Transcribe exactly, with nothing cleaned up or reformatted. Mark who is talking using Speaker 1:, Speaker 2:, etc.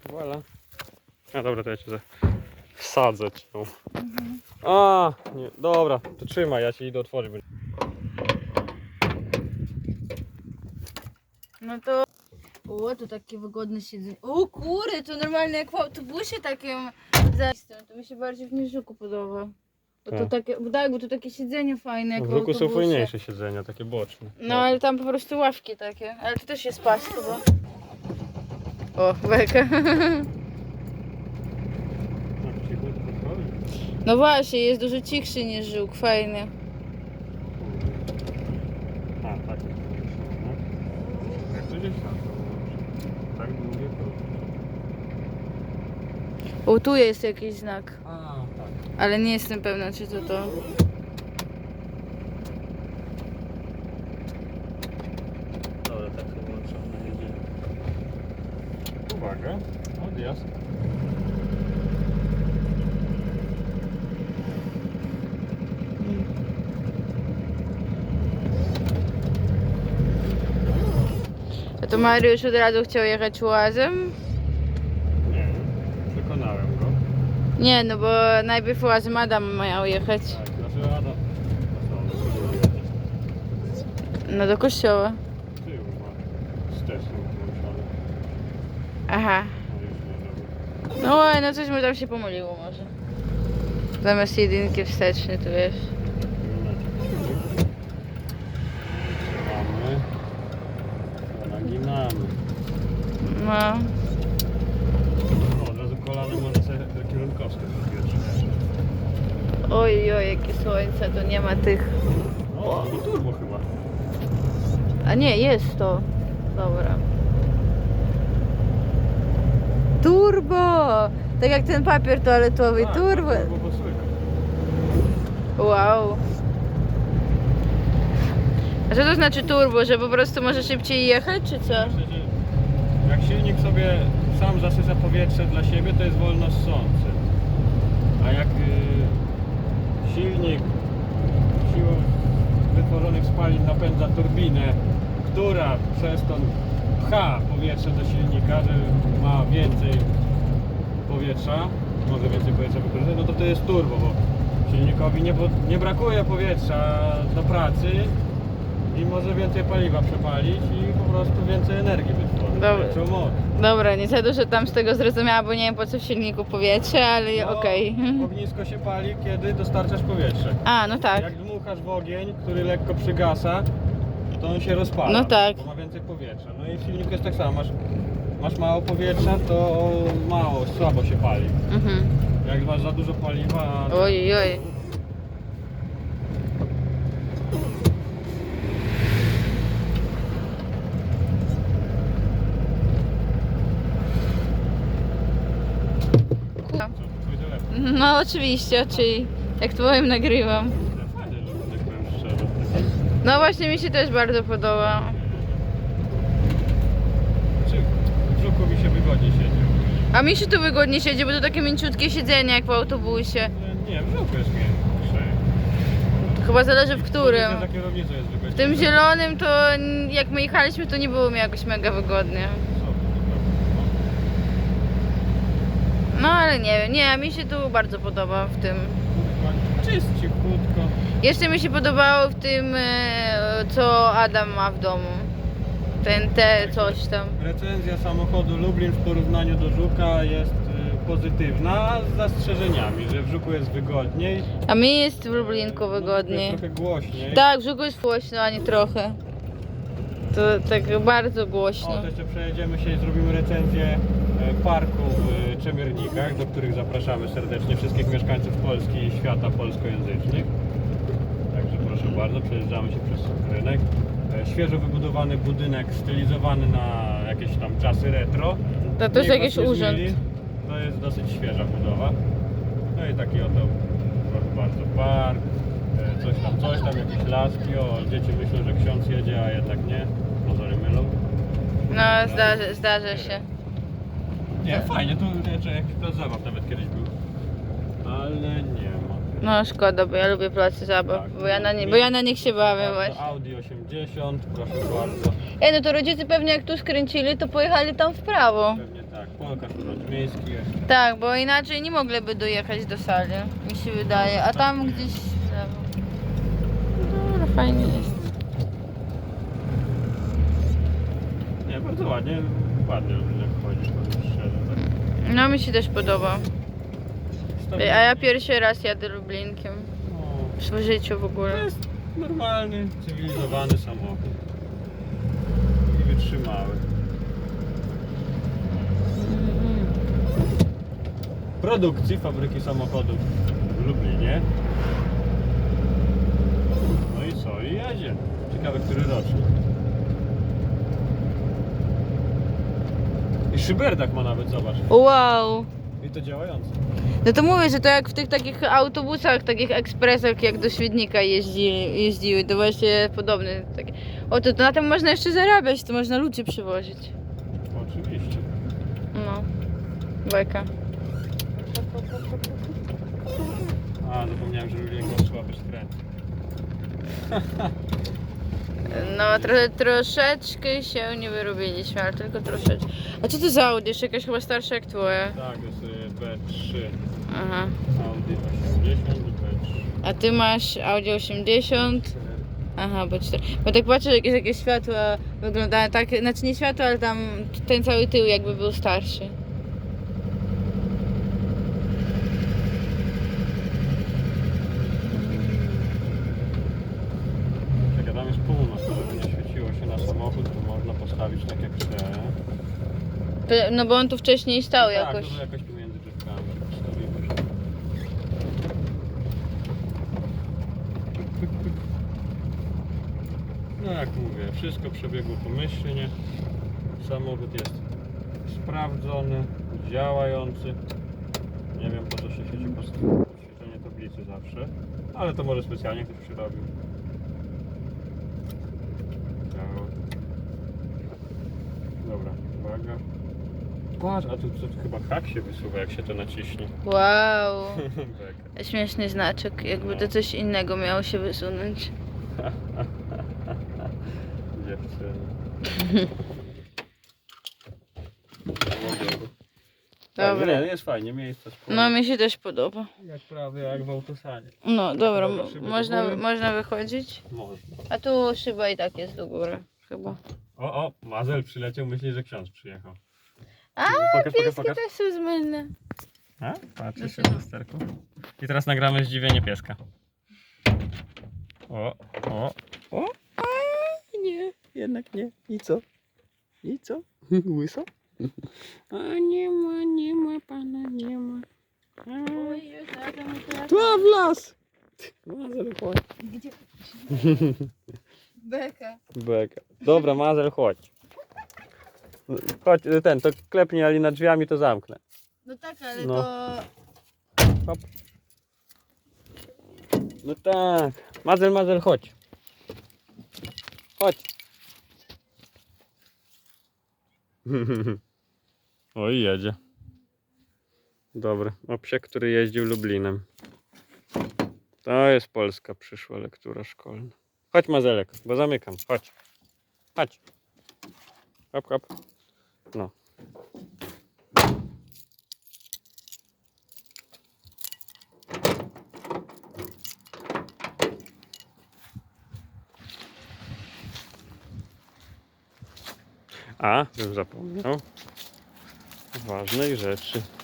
Speaker 1: Voilà. A dobra, to ja cię wsadzę cię. Mhm. A, nie, dobra, to trzymaj, ja ci idę otworzyć.
Speaker 2: No to... O, to takie wygodne siedzenie. O kurde, to normalnie jak w autobusie takim zajściem. To mi się bardziej w Niżuku podoba. Bo to
Speaker 1: Tak.
Speaker 2: takie, bo tak, bo to takie siedzenie fajne jak
Speaker 1: W
Speaker 2: w
Speaker 1: Żuku są
Speaker 2: autobusie.
Speaker 1: fajniejsze siedzenia, takie boczne.
Speaker 2: No ale tam po prostu ławki takie. Ale to też jest pas chyba. O, beka. No właśnie, jest dużo cichszy niż Żuk, fajny.
Speaker 1: A, tak. Jak to gdzieś tam, to tak długie to...
Speaker 2: O, tu jest jakiś znak.
Speaker 1: A, tak.
Speaker 2: Ale nie jestem pewna, czy to to.
Speaker 1: Dobra, tak to włączone, jedziemy. Uwaga, odjazd.
Speaker 2: A to Mariusz od razu chciał jechać łazem?
Speaker 1: Nie, przekonałem go.
Speaker 2: Nie, no bo najpierw łazem Adam miał jechać.
Speaker 1: Tak, znaczy Adam.
Speaker 2: No do kościoła.
Speaker 1: Tył ma wsteczny włączony.
Speaker 2: Aha.
Speaker 1: No już nie robię.
Speaker 2: No oj, no coś mu tam się pomyliło może. Zamiast jedynki wsteczny, to wiesz.
Speaker 1: Trzymamy. Naginamy.
Speaker 2: No.
Speaker 1: O, od razu kolany może sobie kierunkowskie powietrze.
Speaker 2: Oj, oj, jakie słońce, to nie ma tych...
Speaker 1: O, to turbo chyba.
Speaker 2: A nie, jest to. Dobra. Turbo! Tak jak ten papier toaletowy,
Speaker 1: Tak,
Speaker 2: turbo.
Speaker 1: turbo posłyka.
Speaker 2: Wow. A co to znaczy turbo, że po prostu może szybciej jechać, czy co?
Speaker 1: Myślę, że jak silnik sobie sam zasysa powietrze dla siebie, to jest wolno ssący. A jak y, silnik siłą wytworzonych spalin napędza turbinę, która przez to pcha powietrze do silnika, że ma więcej powietrza, może więcej powietrza wykorzystać, no to to jest turbo, bo silnikowi nie, nie brakuje powietrza do pracy i może więcej paliwa przepalić i po prostu więcej energii wytworzyć.
Speaker 2: Dobra.
Speaker 1: Większą moc.
Speaker 2: Dobra, nie za dużo tam z tego zrozumiała, bo nie wiem po co w silniku powietrze, ale
Speaker 1: No,
Speaker 2: okej.
Speaker 1: ognisko się pali, kiedy dostarczasz powietrze.
Speaker 2: A, no tak.
Speaker 1: Jak dmuchasz w ogień, który lekko przygasa, to on się rozpala,
Speaker 2: No tak.
Speaker 1: bo ma więcej powietrza. No i w silniku jest tak samo, masz, masz mało powietrza, to mało, słabo się pali.
Speaker 2: Mhm.
Speaker 1: Jak masz za dużo paliwa...
Speaker 2: Oj, oj.
Speaker 1: Co, twój telefon?
Speaker 2: No oczywiście, czyli jak twoim nagrywam.
Speaker 1: Fajnie, że tak powiem szczerze.
Speaker 2: No właśnie mi się też bardzo podoba.
Speaker 1: Czy w brzuchu mi się wygodnie siedzi?
Speaker 2: A mi się tu wygodnie siedzi, bo to takie mięciutkie siedzenie jak w autobusie.
Speaker 1: Nie, w brzuchu jest miększe.
Speaker 2: Chyba zależy w którym.
Speaker 1: Za kierownicą jest wygodnie.
Speaker 2: W tym zielonym to n- jak my jechaliśmy, to nie było mi jakoś mega wygodnie. No ale nie wiem, nie, mi się tu bardzo podoba w tym.
Speaker 1: Czyściutko.
Speaker 2: Jeszcze mi się podobało w tym, e, co Adam ma w domu. Ten te coś tam.
Speaker 1: Recenzja samochodu Lublin w porównaniu do Żuka jest y, pozytywna, z zastrzeżeniami, że w Żuku jest wygodniej.
Speaker 2: A mi jest w Lublinku
Speaker 1: No,
Speaker 2: wygodniej.
Speaker 1: jest trochę głośniej.
Speaker 2: Tak, w Żuku jest głośno, a nie trochę. To tak bardzo
Speaker 1: O,
Speaker 2: głośno.
Speaker 1: to jeszcze przejedziemy się i zrobimy recenzję e, parku w e, Czemiernikach, do których zapraszamy serdecznie wszystkich mieszkańców Polski i świata polskojęzycznych. Także proszę bardzo, przejeżdżamy się przez rynek. E, Świeżo wybudowany budynek stylizowany na jakieś tam czasy retro.
Speaker 2: To też
Speaker 1: Niech
Speaker 2: jakiś
Speaker 1: was nie
Speaker 2: urząd.
Speaker 1: zmyli. To jest dosyć świeża budowa. No i taki oto, proszę bardzo, park. e, Coś tam, coś tam, jakieś laski. O, dzieci myślą, że ksiądz jedzie, a jednak nie. Pozory mylą.
Speaker 2: No zdarza, zdarza się.
Speaker 1: Nie, fajnie, tu jeszcze jakiś plac zabaw nawet kiedyś był. Ale nie ma.
Speaker 2: No szkoda, bo ja lubię placy zabaw,
Speaker 1: Tak,
Speaker 2: bo, ja na nie,
Speaker 1: mi-
Speaker 2: bo ja na nich się bawię
Speaker 1: Bardzo
Speaker 2: właśnie.
Speaker 1: Audi osiemdziesiąt, proszę bardzo.
Speaker 2: Ej, no to rodzice pewnie jak tu skręcili, to pojechali tam w prawo.
Speaker 1: Pewnie tak. Po Pokaż urząd miejski jest.
Speaker 2: Tak, bo inaczej nie mogliby dojechać do sali, mi się wydaje. A tam gdzieś w lewo. No, ale fajnie jest.
Speaker 1: Nie, bardzo ładnie, ładnie jak chodzisz, powiem szczerze. Tak.
Speaker 2: No mi się też podoba. A ja pierwszy raz jadę Lublinkiem.
Speaker 1: No,
Speaker 2: W swoim życiu w
Speaker 1: to
Speaker 2: ogóle.
Speaker 1: jest normalny, cywilizowany samochód. I wytrzymały. Produkcji fabryki samochodów w Lublinie. No i co? I jedzie. Ciekawe, który rocznik. I szyberdach ma nawet, zobacz.
Speaker 2: Wow!
Speaker 1: I to działające.
Speaker 2: No to mówię, że to jak w tych takich autobusach, takich ekspresach jak do Świdnika jeździ, jeździły, to właśnie podobne. Takie. O, to, to na tym można jeszcze zarabiać, to można ludzi przywozić.
Speaker 1: Oczywiście.
Speaker 2: No. Bajka.
Speaker 1: A, zapomniałem, że Lublin ma słaby skręt.
Speaker 2: No, tro, troszeczkę się nie wyrobiliśmy, ale tylko troszeczkę. A co to za Audi? Jeszcze jakaś chyba starsza jak twoje.
Speaker 1: Tak, to jest y, B trzy.
Speaker 2: Aha.
Speaker 1: Audi osiemdziesiąt i B trzy.
Speaker 2: A ty masz Audi osiemdziesiąt. Aha, bo cztery. Bo tak patrzę, jakieś, jakieś światła wyglądają tak, znaczy nie światła, ale tam ten cały tył jakby był starszy.
Speaker 1: Czekaj, tam jest północ, to żeby nie świeciło się na samochód, to można postawić tak jak chce.
Speaker 2: To- No bo on tu wcześniej stał
Speaker 1: Tak,
Speaker 2: jakoś.
Speaker 1: to jakoś tu między drzewkami się postawimy. No jak mówię, wszystko przebiegło pomyślnie. Samochód jest sprawdzony, działający. Nie wiem, po co się sieci postawiło świecenie tablicy zawsze, ale to może specjalnie ktoś przyrobił. Działa. Dobra, uwaga. Patrz, a tu, tu chyba hak się wysuwa, jak się to naciśnie.
Speaker 2: Wow.
Speaker 1: Beka.
Speaker 2: Śmieszny znaczek, jakby to coś innego miało się wysunąć.
Speaker 1: Dziewczyny.
Speaker 2: Dobra.
Speaker 1: Nie, nie, jest fajnie, miejsce sporo.
Speaker 2: No mi się też podoba.
Speaker 1: Jak prawie jak w autosanie.
Speaker 2: No dobra,
Speaker 1: Dobra,
Speaker 2: mo-
Speaker 1: szyby do
Speaker 2: można,
Speaker 1: góry.
Speaker 2: można wychodzić.
Speaker 1: Można.
Speaker 2: A tu szyba i tak jest do góry, chyba.
Speaker 1: O, o, Mazel przyleciał, myśli, że ksiądz przyjechał.
Speaker 2: A,
Speaker 1: Pokaż, pokaż,
Speaker 2: pieski
Speaker 1: pokaż.
Speaker 2: też są zmylne.
Speaker 1: A? Patrzy się
Speaker 2: Dlaczego?
Speaker 1: w lusterku. I teraz nagramy zdziwienie pieska. O, o, o. A, nie, jednak nie. I co? I co? Łyso? A nie ma, nie ma pana, nie ma. A,
Speaker 2: Oj, już znalazłam mój telefon.
Speaker 1: tu w las! Mazel, chodź.
Speaker 2: Gdzie? Beka.
Speaker 1: Beka. Dobra, Mazel, chodź. Chodź, ten, to klepnij, ale nad drzwiami to zamknę.
Speaker 2: No tak, ale
Speaker 1: No.
Speaker 2: to...
Speaker 1: Hop. No tak. Mazel, Mazel, chodź. Chodź. Oj, jedzie. Dobry. O psie, który jeździł Lublinem. To jest polska przyszła lektura szkolna. Chodź, Mazelek, bo zamykam. Chodź. Chodź. Hop, hop. No. A, bym zapomniał ważnej rzeczy.